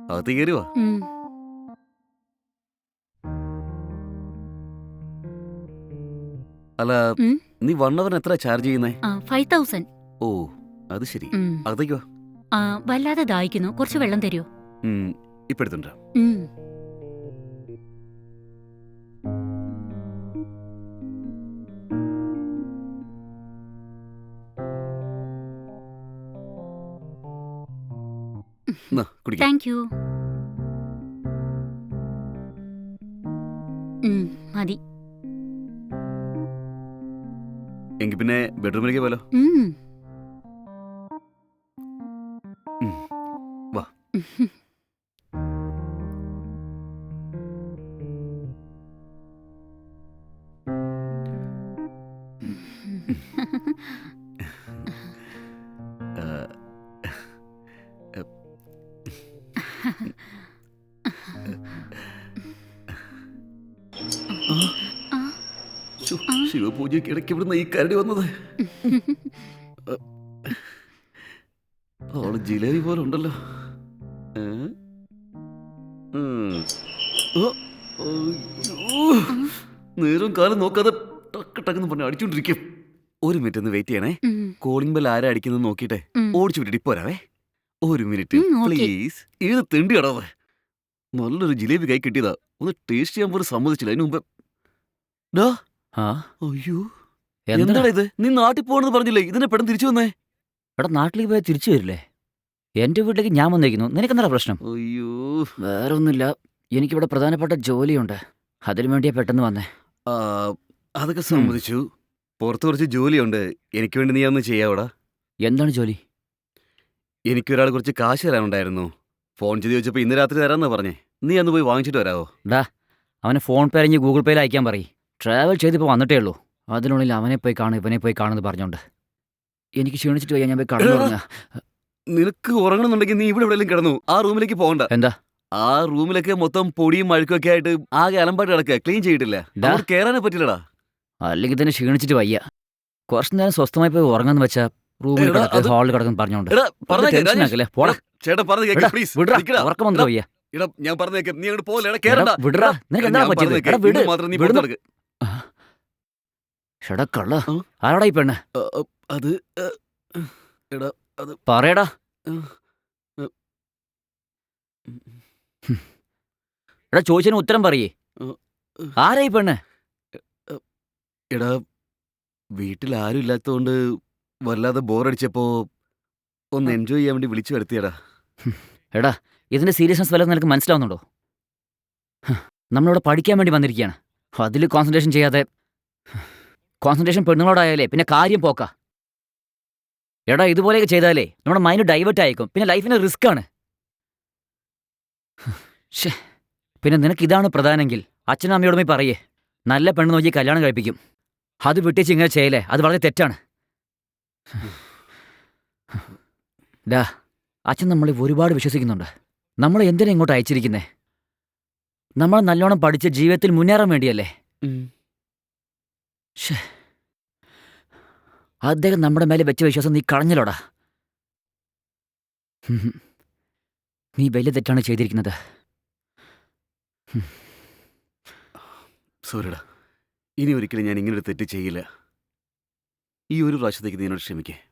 അകത്ത് കയറുവാ. അല്ല, നീ 1 hour എത്ര ചാർജ് ചെയ്യുന്നേ? 5000. ഓ, അത് ശരി. അകത്തേക്കോ? വല്ലാതെ ദാഹിക്കുന്നു, കുറച്ച് വെള്ളം തരുമോ? ഇപ്പൊ എടുത്തുണ്ടോ? Thank you. മതി. എങ്കിൽ പിന്നെ ബെഡ്റൂമിലേക്ക് പോലോ. വാ. ശിവപൂജയ്ക്ക് ഇടയ്ക്ക് ഇവിടുന്ന് ഈ കരടി വന്നത്. അവള് ജിലേബി പോലെ ഉണ്ടല്ലോ. നേരം കാലം നോക്കാതെ ടക്ക് ടക്കെന്ന് പറഞ്ഞ് അടിച്ചോണ്ടിരിക്കും. 1 മിനിറ്റ് ഒന്ന് വെയിറ്റ് ചെയ്യണേ. കോളിംഗ് ബെൽ ആരാ അടിക്കുന്നത് നോക്കിട്ടെ ഓടിച്ചു വിട്ടിട്ട് ഇപ്പൊ വരാവേ. 1 മിനിറ്റ് പ്ലീസ്. ഏത് തെണ്ടി അടാവേ. നല്ലൊരു ജിലേബി കൈ കിട്ടിയതാ, ഒന്ന് ടേസ്റ്റ് ചെയ്യാൻ പോലും സമ്മതിച്ചില്ല. അതിന് മുമ്പ് അയ്യോ, എന്താണ് ഇത്? നീ നാട്ടിൽ പോകണമെന്ന് പറഞ്ഞില്ലേ, ഇതിനെ പെട്ടെന്ന് തിരിച്ചു വന്നേ? എടാ, നാട്ടിലേക്ക് പോയാൽ തിരിച്ചു വരില്ലേ? എന്റെ വീട്ടിലേക്ക് ഞാൻ വന്നിരിക്കുന്നു. നിനക്കെന്താ പ്രശ്നം? അയ്യോ, വേറെ ഒന്നുമില്ല. എനിക്കിവിടെ പ്രധാനപ്പെട്ട ജോലിയുണ്ട്, അതിനു വേണ്ടിയാ പെട്ടെന്ന് വന്നേ. അതൊക്കെ സമ്മതിച്ചു. പുറത്ത് കുറച്ച് ജോലിയുണ്ട്, എനിക്ക് വേണ്ടി നീ ഒന്ന് ചെയ്യാവടാ. എന്താണ് ജോലി? എനിക്കൊരാൾ കുറച്ച് കാശ് തരാനുണ്ടായിരുന്നു. ഫോൺ ചെയ്ത് ചോദിച്ചപ്പോൾ ഇന്ന് രാത്രി തരാമെന്നാ പറഞ്ഞേ. നീ അന്ന് പോയി വാങ്ങിച്ചിട്ട് വരാവോ? ഡാ, അവനെ ഫോൺ പേ അല്ലെങ്കിൽ ഗൂഗിൾ പേയിൽ അയക്കാൻ പറയും. ട്രാവൽ ചെയ്തിപ്പോൾ വന്നിട്ടേ ഉള്ളൂ, അതിനുള്ളിൽ അവനെ പോയി കാണും ഇവനെ പോയി കാണുമെന്ന് പറഞ്ഞോണ്ട് എനിക്ക് ക്ഷീണിച്ചിട്ട് വയ്യ. ഞാൻ പോയി കാണുന്നു. നിനക്ക് ഉറങ്ങണമെന്നുണ്ടെങ്കിൽ നീ ഇവിടെ എവിടെയെങ്കിലും കിടന്നു, ആ റൂമിലേക്ക് പോകണ്ട. എന്താ? ആ റൂമിലൊക്കെ മൊത്തം പൊടിയും അഴുക്കൊക്കെ ആയിട്ട് ആകെ അലമ്പാട്ട് കിടക്കുക, ക്ലീൻ ചെയ്തിട്ടില്ല. കേറാനേ പറ്റില്ലടാ. അല്ലെങ്കിൽ തന്നെ ക്ഷീണിച്ചിട്ട് വയ്യ. കുറച്ചു നേരം സ്വസ്ഥമായി പോയി ഉറങ്ങാന്ന് വെച്ചാ റൂമിൽ ഹാളിൽ കിടക്കുന്നു പറഞ്ഞോണ്ട്. ഉറക്കം വന്നിട്ട് വയ്യ. ഞാൻ പറഞ്ഞേക്കാം, നീ അങ്ങോട്ട് പോലെ. ആരാടാ ഈ പെണ്ണ്? അത് പറയടാ. എടാ, ചോദിച്ചതിന് ഉത്തരം പറയേ. ആരാ ഈ പെണ്ണ്? എടാ, വീട്ടിൽ ആരും ഇല്ലാത്തതുകൊണ്ട് വല്ലാതെ ബോറടിച്ചപ്പോ ഒന്ന് എൻജോയ് ചെയ്യാൻ വേണ്ടി വിളിച്ചു വരുത്തിയടാ. എടാ, ഇതിന്റെ സീരിയസ്നെസ് വല്ലതും നിനക്ക് മനസ്സിലാവുന്നുണ്ടോ? നമ്മളിവിടെ പഠിക്കാൻ വേണ്ടി വന്നിരിക്കുകയാണ്, അതിൽ കോൺസെൻട്രേഷൻ ചെയ്യാതെ കോൺസെൻട്രേഷൻ പെണ്ണുങ്ങളോടായാലേ പിന്നെ കാര്യം പോക്ക. എടാ, ഇതുപോലെയൊക്കെ ചെയ്താലേ നമ്മുടെ മൈൻഡ് ഡൈവേർട്ട് ആയിക്കും, പിന്നെ ലൈഫിന് റിസ്ക് ആണ്. പിന്നെ നിനക്ക് ഇതാണ് പ്രധാനമെങ്കിൽ അച്ഛനും അമ്മയോടും പോയി പറയേ, നല്ല പെണ്ണ് നോക്കി കല്യാണം കഴിപ്പിക്കും. അത് വിട്ടേച്ച് ഇങ്ങനെ ചെയ്യലേ, അത് വളരെ തെറ്റാണ്. ഡാ, അച്ഛൻ നമ്മളെ ഒരുപാട് വിശ്വസിക്കുന്നുണ്ട്. നമ്മളെ എന്തിനാ ഇങ്ങോട്ട് അയച്ചിരിക്കുന്നേ? നമ്മൾ നല്ലോണം പഠിച്ച് ജീവിതത്തിൽ മുന്നേറാൻ വേണ്ടിയല്ലേ? അദ്ദേഹം നമ്മുടെ മേലെ വെച്ച വിശ്വാസം നീ കളഞ്ഞലോടാ. നീ വലിയ തെറ്റാണ് ചെയ്തിരിക്കുന്നത്. സോറിടാ, ഇനി ഒരിക്കലും ഞാൻ ഇങ്ങനൊരു തെറ്റ് ചെയ്യില്ല. ഈ ഒരു പ്രാവശ്യത്തേക്ക് നീ എന്നോട് ക്ഷമിക്കേ.